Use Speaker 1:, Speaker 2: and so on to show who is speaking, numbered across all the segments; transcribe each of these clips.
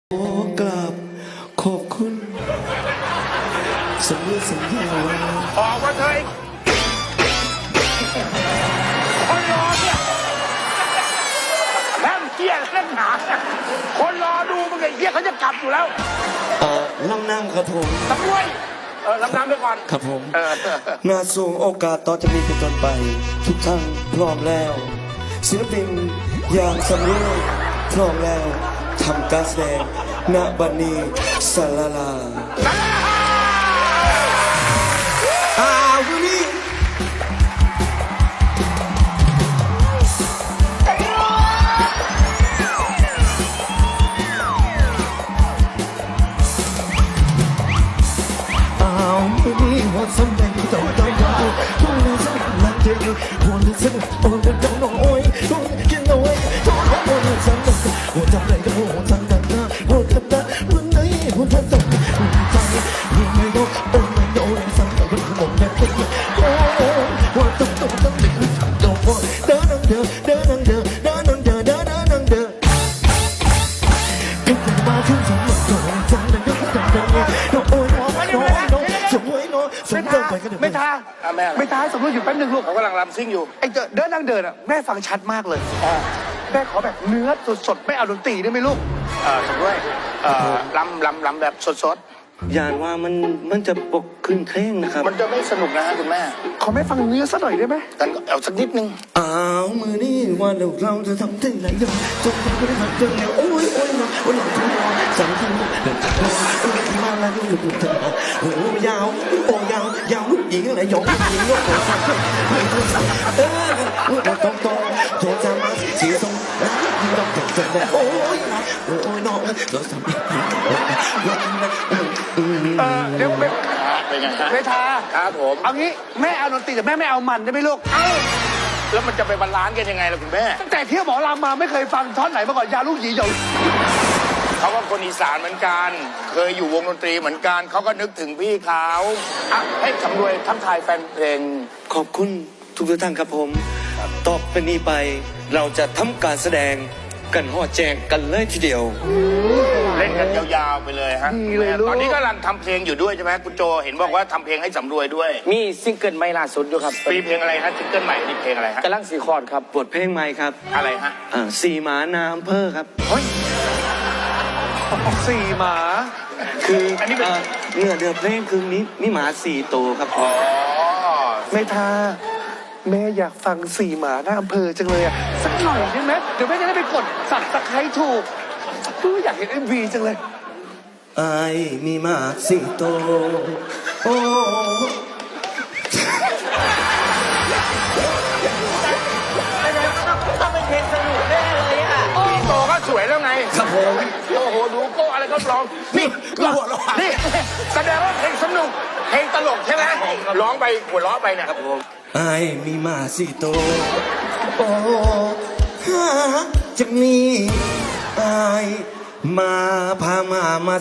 Speaker 1: ขอกราบขอบคุณสัญญาว่า
Speaker 2: ออกมาเถอะคนรอเนี่ยแม่งเกี้ยเล่นหนาคนรอดูมึงไอ้เกี้ยเขาจะกลับอยู่แล้ว
Speaker 1: ลำน้ำครับผม
Speaker 2: ตำรวจรับน้ำไปก่อน
Speaker 1: ครับผมงานส่งโอกาสต่อจากนี้เป็นต้นไปทุกท่านพร้อมแล้วศิลปินอย่างสำเร็จพร้อมแล้วทำการแสดงณบัดนี้สลาลาวันนี้วันสำคัญต้องวันนี้สำคัญเจอวันนี้สำคัญวันนี้ต้องน้อยต้องกินน้อยต้องวันนี้สำคัญวันจำเลยก็วันสำคัญนะวันกันนะวันไหนวันทันสักวันใจวันไม่รู้วันไม่รู้สำคัญวันหมดแค่คนโอ้วันต้องเด็กต้องพอเดินนั่งเดินเดินนั่งเดินเดินนั่งเดินเดินนั่งเดินทุกคนมาถึงสำคัญจังเลยก็จังเลยน้องโอ้ยน้องสวยน้องไม่ท้าให้สมมติอยู่แป๊บนึงลูก
Speaker 2: เขากำลังรำซิ่งอยู่
Speaker 1: ไอ้เดินนั่งเดินอ่ะแม่ฟังชัดมากเลยแม่ขอแบบเนื้อสดๆไม่เอาดนตรีได้ไหมลูก
Speaker 2: สมด้วยลำแบบสด
Speaker 1: ยานว่ามันจะปกขึ้นเคร่งนะครับ
Speaker 2: มันจะไม่สนุกนะฮะคุณแม่
Speaker 1: ขอแม่ฟังเนื้อสักหน่อยได้ไหม
Speaker 2: กันเอาสักนิดนึง
Speaker 1: มือนี่ว่าเราจะทำถึงไหนยังจงทำให้หักจนเดียวโอ้ยนะโอ้ยทุ่งสามทุ่งมาแล้วลูกเธอโอ้ยาวโอ้ยาวลูกหญิงอะไรหยองหญิงลูกของฉันต้องโทรจำมาสีส้มยิ่งต้องจดโอ้ยน้องเราทำ
Speaker 2: เดี๋ยวเป็นไง
Speaker 1: ไม่ทา
Speaker 2: ครับผม
Speaker 1: เอางี้แม่เอาดนตรีแต่แม่ไม่เอามันได้ไหมลูก
Speaker 2: แล้วมันจะไปบาลานซ์กันยังไงล่ะคุณแม่
Speaker 1: ตั้งแต่เที่ยวหมอลำมาไม่เคยฟังท่อนไหนมาก่อนยาลูกหยีหยอง
Speaker 2: เขาก็คนอีสานเหมือนกันเคยอยู่วงดนตรีเหมือนกันเขาก็นึกถึงพี่เขาให้สำรวยทักทายแฟนเพลงขอบคุณทุกท่านครับผมต่อไปนี้ไปเราจะทำการแสดงกันห่อแจงกันเลยทีเดียวเล่นกันยาวๆไปเลยฮะตอนนี้ก็กำลังทำเพลงอยู่ด้วยใช่ไหมคุณโจเห็นบอกว่าทำเพลงให้สำรวยด้วย
Speaker 3: มีซิงเกิลใหม่ล่าสุดอยู่ครับ
Speaker 2: มีเพลงอะไรฮะซิงเกิลใหม่นี่เพลงอะไรฮะ
Speaker 3: กำลังสีคอร์ดครับ
Speaker 1: บทเพลงใหม่ครับ
Speaker 2: อะไรฮะ
Speaker 1: สี่หมานาอำเภอครับ
Speaker 2: เฮ้ย
Speaker 1: สี่หมาคืออันนี้เป็นเนื้อเพลงคือมีหมาสี่ตัวครับ
Speaker 2: อ๋อ
Speaker 1: ไม่ทาแม่อยากฟังสี่หมาหน้าอำเภอจังเลยอ่ะสักหน่อยได้ไหมเดี๋ยวแม่จะได้ไปกดสับตะไคร้ถูกอยากเห็นMVจังเลยไอ้มีหมาสี่ตัวโอ้
Speaker 3: ต้องเป็นเพลงสนุกแน่เลยอ่ะ
Speaker 2: โตก็สวยแล้วไง
Speaker 1: ครับผม
Speaker 2: โอ้โหดูโก้อะไรก็ร้องนี่นี่แสดงว่าเพลงสนุกเพลงตลกใช่ไหมร้องไปหัวเราะไปเนี่ย
Speaker 1: ครับผมไอ้มีมาสี่ตัวโอ้จะมีไอ้มาพามา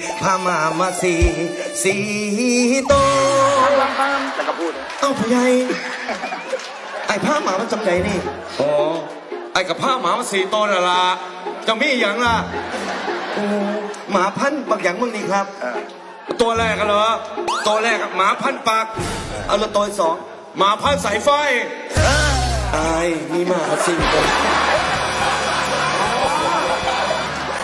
Speaker 1: สี่ตัว
Speaker 2: แล้วก็พูด
Speaker 1: เอ้าผู้ใหญ่ไอ้ผ้าหมามันจำใจนี่
Speaker 4: อ๋อไอ้กับผ้าหมามาสี่ตัวน่ะล่ะจะมีอย่างล่ะ
Speaker 1: โอ้หมาพันบางอย่างมึงนี่ครับ
Speaker 4: ตัวแรกกันเหรอตัวแรกหมาพันปาก
Speaker 1: เอาละตัวสอง
Speaker 4: หมาพันสายไฟ
Speaker 1: ไอ้มีหมาสี่ตัว